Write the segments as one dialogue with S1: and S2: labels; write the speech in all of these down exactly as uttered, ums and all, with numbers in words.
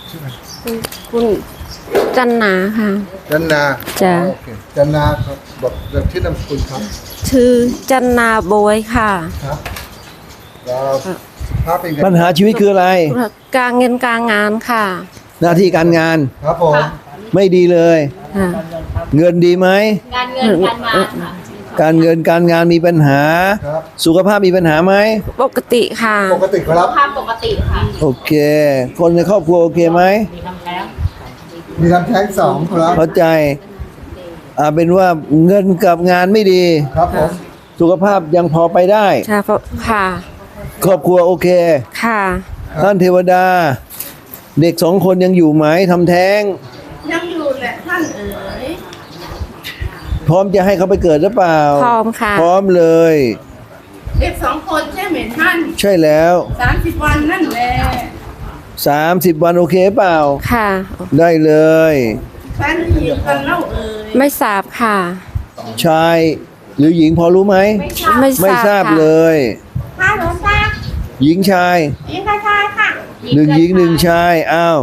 S1: ชื่ออะไร
S2: คุณจันนาค่ะ
S1: จันนา
S2: จ้ะ
S1: โอเคจันนาครับบอกแบบชื่อนามสกุลครับ
S2: ชื่อจันนาโบยค่ะ
S1: ครับแล้วภาพเป็นไง
S3: ปัญหาชีวิตคืออะไร
S2: การเงินการงานค่ะ
S3: หน้าที่การงาน
S1: ครับผม
S3: ไม่ดีเลย
S2: ค่ะ
S3: เงินดีไหม
S4: การเงินการมาค่ะ
S3: การเงินการงานมีปัญหา
S1: ครับ
S3: สุขภาพมีปัญหาไหม
S2: ปกติค่ะ
S1: ปกติครับ
S4: ภาพปกติค่ะ
S3: โอเค คนในครอบครัวโอเคไหม
S1: มีทำแท้งสองครับ
S3: เข้าใจอ่าเป็นว่าเงินกับงานไม่ดี
S1: ครับผม
S3: สุขภาพยังพอไปได้
S2: ค่ะเพราะค่ะ
S3: ครอบครัวโอเค
S2: ค่ะ
S3: ท่านเทวดา เด็กสองคนยังอยู่ไหมทำแท้ง
S4: ยังอยู่แหละท่านเอ๋ย
S3: พร้อมจะให้เขาไปเกิดหรือเปล่า
S2: พร้อมค่ะ
S3: พร้อมเลย
S4: เด็กสองคนใช่ไหมท่าน
S3: ใช่แล้ว
S4: สามสิบวันนั่นแหละ
S3: สามสิบวันโอเคเปล่า
S2: ค่ะ
S3: ได้เลย
S4: แฟนหญิงกันเล่าเอ๋ย
S2: ไม่ทราบค่ะ
S3: ชายหรือหญิงพอรู้ไหม
S4: ไม่ทราบ
S2: ไม่
S3: ไม่ทราบเลย
S4: ค่ะหลวงตา
S3: หญิงชาย
S4: หญิงกระชายค่ะ
S3: หนึ่งหญิงหนึ่งชายอ้าว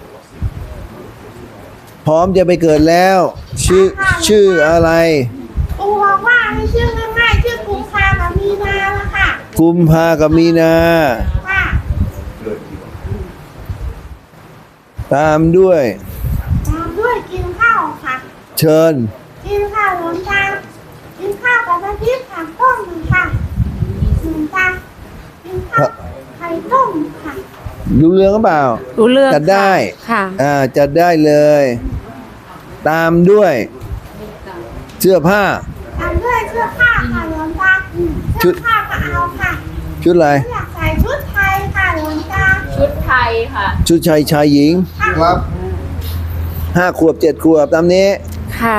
S3: พร้อมจะไปเกิดแล้ว ชื่อชื่ออะไร
S4: ปูบอกว่าให้ชื่อง่ายๆชื่อกุมภากับมีนาละค่ะ
S3: กุมภากับมีนา
S4: ค่ะ
S3: ตามด้วย
S4: ตามด้วยกินข้าวค่ะ
S3: เชิญ
S4: กินข้าวหลวงตากินข้าวกับน้ำพริกผักต้มหนึ่งค่ะหลวงตากินข้าวไข่ต้มค่ะ
S3: รู้เรื่องหรือเปล่า
S2: รู้เรื่อง
S3: จัดได้
S2: ค่ะ
S3: อ่าจัดได้เลย ตามด้วย เสื้อผ้า
S4: ตามด้วยเสื้อผ้าค่ะหลวงตา
S3: ชุ
S4: เสื้
S3: ด
S4: อผ้าก็เอาค่ะ
S3: ชุดอะไร
S4: อยากใส่ชุดไทยค่ะหลวงตา
S5: ชุดไทยค่ะ
S3: ชุดชายชายหญิง
S1: ครับ
S3: ห้าขวบเจ็ดขวบตามนี้
S2: ค่ะ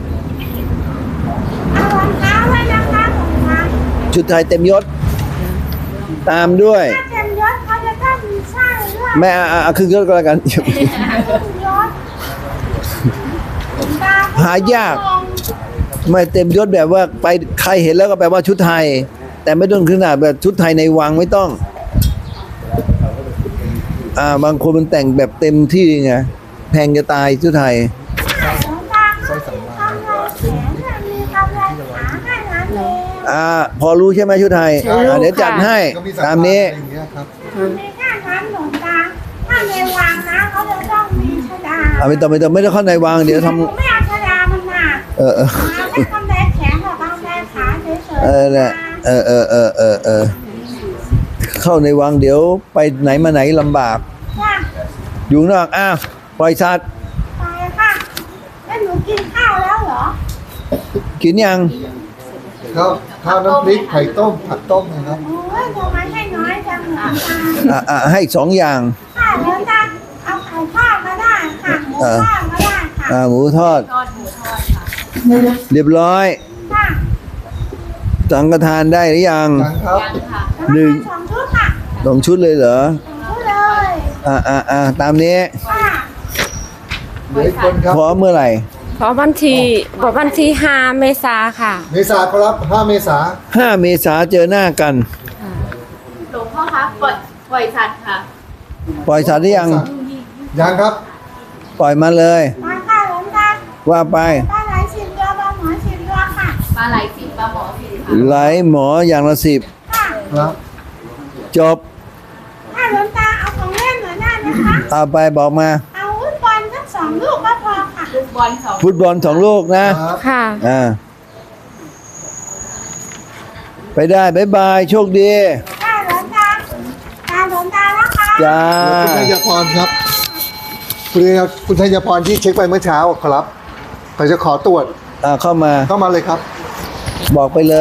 S4: เอารองเท้าไว้นะคะหลวงตา
S3: ชุดไทยเต็มยศ ตามด้วย
S4: ถ้าเต็มยศเขาจะต้องมีสร้อยด้วย
S3: แม่อ่ะครึ่งยศก็แล้วกัน
S4: ครึ่งยศหลวงตา
S3: หายาก ไม่เต็มยศแบบว่าไปใครเห็นแล้วก็แปลว่าชุดไทย แต่ไม่ต้องขนาดแบบชุดไทยในวังไม่ต้อง อ่าบางคนมันแต่งแบบเต็มที่ไงแพงจะตายชุดไทย
S4: หลวงตาเขามีกำไรแขนเนี่ยมีกำไรขาแค่นั้นเอง
S3: อ่า พอรู้ใช่ไหมชุดไทย
S2: ใช่รู้
S3: อ่าเดี๋ยวจัด
S2: ค่ะ
S3: ให้
S1: ก็มีสั
S3: ตามนี้
S1: อะไรอย่างเงี้ยครับ
S4: มีแค่นั้นหลวงตาถ้าในวังนะเขาจะต้องมีชดา
S3: อ่าไม่ต้องไม่ต้องไม่ต้องเข้าในวังเดี๋ยวท
S4: หนูไม่เอาชดามันหนัก
S3: ำเออเออ
S4: มาไม่กำไรแขนกับกำไรขาเฉยๆ
S3: เออแหละเออเออเออเออเออเข้าในวังเดี๋ยวไปไหนมาไหนลำบาก
S4: ค่ะ
S3: อยู่ข้างนอกอ้าวปล่อยสัตว์
S4: ไปค่ะแล้วหนูกินข้าวแล้วเหรอ
S3: กินยัง
S1: ข้าวข้าวน้ำพริกไข่ต้มผักต้มนะครับ
S4: โอ้ยทำไมให้น้อยจังหลวงตา
S3: อ่าอ่าให้สองอย่าง
S4: ค่ะหลวงตาเอาไข่ทอดก็ได้ค่ะหมูทอดก็ได้ค่ะ
S3: อ่าหมูทอด
S5: ทอดหมูทอดค่ะ
S3: เรียบร้อย
S4: ค่ะ
S3: สังฆทานได้หรือยัง
S1: ยังครับ
S5: ยังค่ะ
S3: หนึ่ง
S4: สองชุดค่ะ
S3: สองชุดเลยเหรอ
S4: สองชุดเลย
S3: อ่าอ่าอ่าตามนี้
S4: ค่ะ
S1: เหลืออีกคนครับ
S3: พร้อมเมื่อไหร่
S2: เพราะวันที่เพราะวันที่ห้าเมษาค่ะ
S1: เมษาครับห้าเมษา
S3: ห้าเมษาเจอหน้ากัน
S5: หลวงพ่อคะปล่อยปล่อยสัตว์ค่ะ
S3: ปล่อยสัตว์หรือยัง
S1: ยังครับ
S3: ปล่อยมาเลย
S4: มาค่ะหลวงตา
S3: ว่าไป
S4: ปลาไหลสิบตัวปลาหมอสิบตัวค่ะ
S5: ปลาไหลสิบปลาหมอสิบค่ะ
S3: ไหลหมออย่างละสิบ
S4: ค่ะ
S1: ครับ
S3: จบ
S4: ถ้าหลวงตาเอาของเล่นหน่อยได้ไหมคะ
S3: เอาไปบอกมา
S4: เอาวุ้นบอลสักสองลูกก็พอค่ะ
S5: ลูกบอลสอง
S3: ฟุตบอลสองลูกนะ
S1: ครับ
S2: ค่ะ
S3: อ่า ไปได้บ๊ายบาย โชคดี
S4: ถ้าหลวงตาตาหลวงตาแล้วค่ะ
S3: จ้า
S1: คุณธัญพรครับคุณธัญคุณธัญพรที่เช็คไปเมื่อเช้าครับเขาจะขอตรวจ
S3: อ่าเข้ามา
S1: เข้ามาเลยครับ
S3: บอกไปเลย